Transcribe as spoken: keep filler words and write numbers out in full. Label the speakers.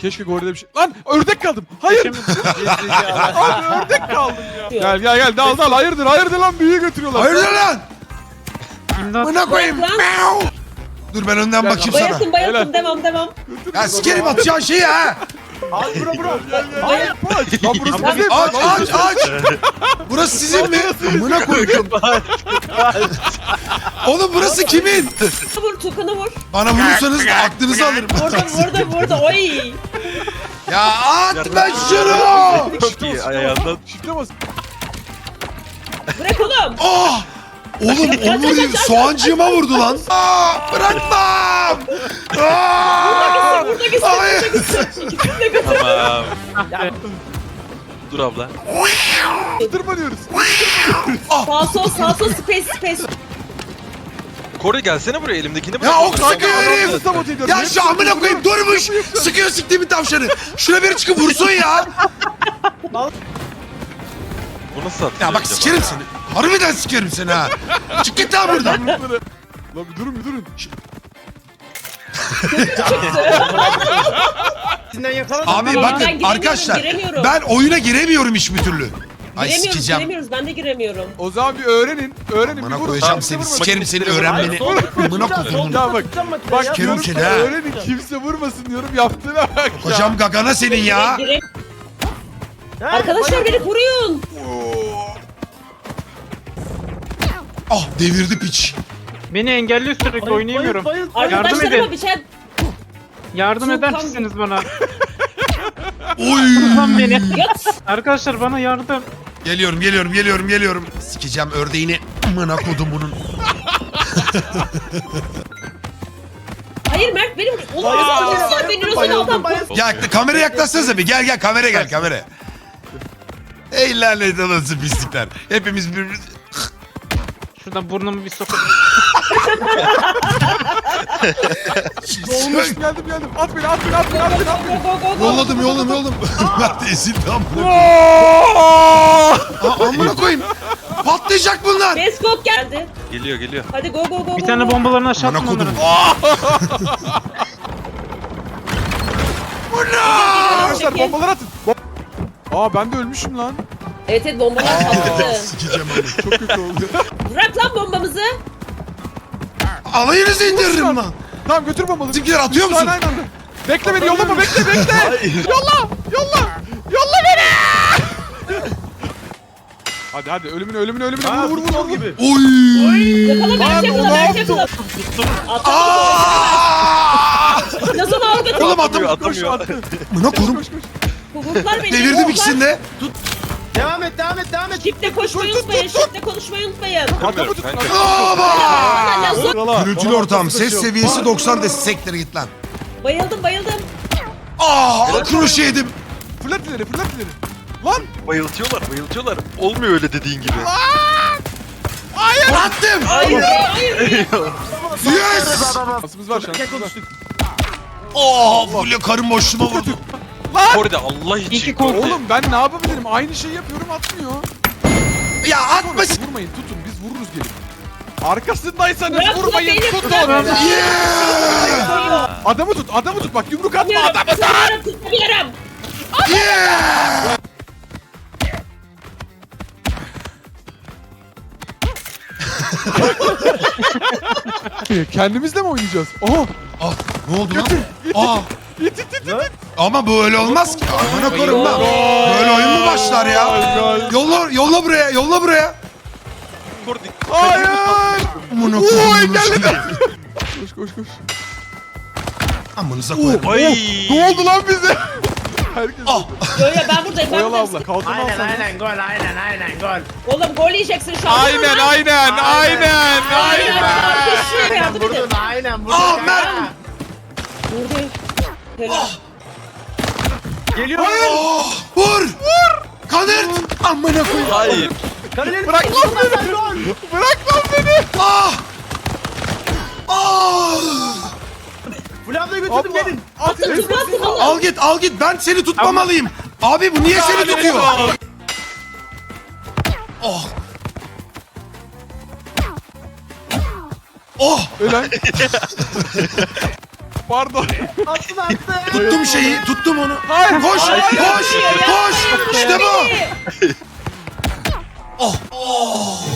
Speaker 1: Keşke gorille bir şey... Lan ördek kaldım. Hayır. Abi ördek kaldım ya. Gel gel gel dal dal. Hayırdır hayırdır lan büyüğü götürüyorlar.
Speaker 2: Hayırdır lan?
Speaker 3: İmdat.
Speaker 2: Buna koyayım.
Speaker 4: Lan.
Speaker 2: Meow. Dur ben önden bakayım sana.
Speaker 4: Bayıldım bayıldım
Speaker 1: Helal.
Speaker 4: devam devam.
Speaker 2: Ya sikerim atacağın şeyi ha.
Speaker 5: Abi bro bro.
Speaker 1: Gel gel gel. Aç. Lan burası bizim.
Speaker 2: Aç aç aç. Burası sizin mi? Buna koydum. Oğlum burası kimin?
Speaker 4: Vur Tukan'ı vur.
Speaker 2: Bana vurursanız aklınızı alırım.
Speaker 4: Vurdum vurdum vurdum. Oy.
Speaker 2: Ya atma şunu.
Speaker 6: Çok iyi ayağından.
Speaker 1: Şifte bas.
Speaker 4: Bırak oğlum.
Speaker 2: Oh! Oğlum Onur soğancığıma vurdu lan. Aa, bırakmam. Aa!
Speaker 4: Burada gitsin.
Speaker 2: Hayır.
Speaker 4: Burada gitsin. İkisini de götür.
Speaker 6: Tamam. Dur abla.
Speaker 1: Tırmanıyoruz.
Speaker 4: Sağ sol sağ sol space space.
Speaker 6: Kore gelsene buraya elimdekini bırak.
Speaker 2: Ya ok sıkıyor herif.
Speaker 1: Adamı sabote ediyorum.
Speaker 2: Ya
Speaker 1: Hepsi
Speaker 2: şu amına koyayım
Speaker 1: yapıyor.
Speaker 2: durmuş. Sıkıyor siktiğimin tavşanı. Şuna biri çıkıp vursun ya.
Speaker 6: Bu nasıl atıyor
Speaker 2: Ya bak
Speaker 6: acaba?
Speaker 2: sikerim seni. Harbiden sikerim seni ha. Çık git lan buradan.
Speaker 1: Lan bir durun bir durun. Şş,
Speaker 5: Sizinden yakaladım.
Speaker 2: Abi
Speaker 4: Ben
Speaker 2: bakın
Speaker 4: giremiyorum,
Speaker 2: arkadaşlar
Speaker 4: giremiyorum.
Speaker 2: ben oyuna giremiyorum hiçbir türlü. Ay
Speaker 4: Giremiyoruz
Speaker 2: sikeceğim.
Speaker 4: giremiyoruz ben de giremiyorum.
Speaker 1: O zaman bir öğrenin. Öğrenin
Speaker 2: Bana
Speaker 1: bir vurun.
Speaker 2: koyacağım
Speaker 1: Kimse
Speaker 2: seni.
Speaker 1: vurmasın.
Speaker 2: Sikerim seni öğrenmeni. Amına koydum.
Speaker 1: Ya bak. Bak
Speaker 2: Sikerim
Speaker 1: diyorum
Speaker 2: seni
Speaker 1: ki
Speaker 2: ha.
Speaker 1: öğrenin kimse vurmasın diyorum yaptığına bak ya.
Speaker 2: Hocam gagana senin ya.
Speaker 4: Gire- Arkadaşlar beni koruyun.
Speaker 2: Ah devirdi piç.
Speaker 3: Beni engelliyor sürekli oynayamıyorum. Yardım
Speaker 4: Arkadaşlarıma
Speaker 3: edin.
Speaker 4: bir şey...
Speaker 3: Yardım eder
Speaker 4: Sultan-
Speaker 3: misiniz bana?
Speaker 2: Oy.
Speaker 3: Lan beni.
Speaker 4: Yat.
Speaker 3: Arkadaşlar bana yardım.
Speaker 2: Geliyorum geliyorum geliyorum geliyorum. Sikeceğim ördeğini. Amına kodumunun.
Speaker 4: Hayır Mert benim... Oğlum sen beni nasıl adam...
Speaker 2: Ya kameraya yaklaşsanıza bir. Gel gel kamera gel kamera. Ey lanet olası pislikler. Hepimiz birbirimiz...
Speaker 3: Şuradan burnumu bir sokayım.
Speaker 1: Olmuş geldim geldim. At beni at beni at beni at beni at beni.
Speaker 4: Go go go go.
Speaker 2: Yolladım yolladım yolladım. Mert ezildi amına.
Speaker 1: Aa!
Speaker 2: Aa, amına koyayım. Patlayacak bunlar.
Speaker 4: Beskok geldi.
Speaker 6: Geliyor geliyor.
Speaker 4: Hadi go go go.
Speaker 3: Bir
Speaker 4: go,
Speaker 3: tane
Speaker 4: go.
Speaker 3: bombalarını aşağı
Speaker 2: Amına
Speaker 3: attım
Speaker 2: kodum.
Speaker 3: onların.
Speaker 1: Arkadaşlar bombalar atın. Bom- Aa ben de ölmüşüm lan.
Speaker 4: Evet evet bombalar patladı.
Speaker 2: Sikeceğim onu.
Speaker 1: Çok kötü oldu.
Speaker 4: Bırak lan bombamızı.
Speaker 2: Alayınızı indiririm lan.
Speaker 1: Tamam götür bombaları.
Speaker 2: Bizimkiler atıyor
Speaker 1: Üç tane
Speaker 2: musun?
Speaker 1: aynı anda. Bekle beni yollama bekle bekle. Yolla yolla. Yolla beni. Hadi hadi ölümüne ölümüne ölümüne vur vur vur vur.
Speaker 5: gibi.
Speaker 2: Oy.
Speaker 4: Yakala Mert
Speaker 1: Abi,
Speaker 4: yakala
Speaker 1: o ne
Speaker 4: Mert
Speaker 1: yaptı?
Speaker 4: yakala. Atla.
Speaker 2: Aa!
Speaker 4: Nasıl ağır götür.
Speaker 2: Oğlum adam
Speaker 6: Atamıyor
Speaker 1: Koş
Speaker 6: atamıyor.
Speaker 1: attı.
Speaker 2: Amına korum.
Speaker 1: Koş koş.
Speaker 4: Kuvurtlar beni.
Speaker 2: Devirdim
Speaker 4: kuvurtlar.
Speaker 2: ikisini de.
Speaker 5: Devam et devam et devam et.
Speaker 4: Şifte koşmayı unutmayın. Şifte konuşmayı unutmayın.
Speaker 1: Adamı tutun.
Speaker 6: Kanka.
Speaker 2: Aba!
Speaker 4: Lan lan,
Speaker 2: Gürültülü ortam. Ses seviyesi doksan de sektere git lan.
Speaker 4: Bayıldım bayıldım.
Speaker 2: Aa, kroşe yedim.
Speaker 1: Fırlat ileri fırlat ileri. Lan.
Speaker 6: Bayıltıyorlar bayıltıyorlar. Olmuyor öyle dediğin gibi.
Speaker 2: Attım.
Speaker 4: Hayır hayır.
Speaker 2: Yes.
Speaker 1: Şansımız var şansımız var.
Speaker 2: Oh, böyle karın boşluğuma vurdu.
Speaker 6: Kore'de Allah için.
Speaker 3: İki kol.
Speaker 1: Oğlum ben ne yapabilirim? Aynı şeyi yapıyorum atmıyor.
Speaker 2: Ya atma.
Speaker 1: Sonrası vurmayın tutun biz vururuz gelip. Arkasındaysanız
Speaker 4: Bırak
Speaker 1: vurmayın
Speaker 4: beni,
Speaker 1: tutun.
Speaker 4: bırak.
Speaker 2: Yeah.
Speaker 1: Adamı tut adamı tut bak yumruk atma
Speaker 4: Tutamıyorum.
Speaker 1: adamı.
Speaker 4: Tutamıyorum. Tutamıyorum.
Speaker 2: Yeah.
Speaker 1: Kendimizle mi oynayacağız? Oha.
Speaker 2: Ah, ne oldu lan?
Speaker 1: Götür. İt
Speaker 2: Aa,
Speaker 1: it it it it. it.
Speaker 2: ama böyle olmaz ki. Amına koyayım ben. Böyle oyun mu başlar ya? Yolla, yolla buraya, yolla buraya.
Speaker 6: Kore
Speaker 1: Hayır.
Speaker 2: Amına
Speaker 1: Oy
Speaker 2: koyayım.
Speaker 1: geldi. Koş koş koş.
Speaker 2: Amınıza koyarım.
Speaker 6: Ay.
Speaker 1: Ne oldu lan bize? Herkes.
Speaker 2: Ah.
Speaker 4: Yo yo ben buradayım. Ben
Speaker 1: Oyalı abla
Speaker 4: buradayım.
Speaker 1: kalkın
Speaker 5: Aynen
Speaker 1: alsana.
Speaker 5: aynen gol aynen aynen gol.
Speaker 4: Oğlum gol yiyeceksin şu an.
Speaker 1: Aynen aynen aynen
Speaker 4: Aynen.
Speaker 1: aynen.
Speaker 4: Koşuyor yardım edin.
Speaker 5: Vurdun aynen vurdun.
Speaker 2: Ah,
Speaker 5: kanka.
Speaker 2: Mert.
Speaker 4: Vurdu. Helal.
Speaker 5: Geliyor.
Speaker 2: Oh, vur. Vur. Kanırt. Amına koyayım.
Speaker 6: Hayır.
Speaker 5: Kaleci.
Speaker 1: Bırak lan beni. Bırak lan beni.
Speaker 2: Ah. Ah.
Speaker 5: Flavda götürdüm
Speaker 1: Abla.
Speaker 5: gelin.
Speaker 1: At ileri.
Speaker 4: Tutun tutun oğlum.
Speaker 2: Al git, al git. Ben seni tutmamalıyım. Abi bu niye seni tutuyor? Oh. Oh.
Speaker 1: Ölen. Pardon.
Speaker 5: Attın attın.
Speaker 2: Tuttum şeyi, tuttum onu.
Speaker 1: Hayır.
Speaker 2: Koş, koş, koş. İşte bu.
Speaker 4: Beni.
Speaker 2: Oh, oh.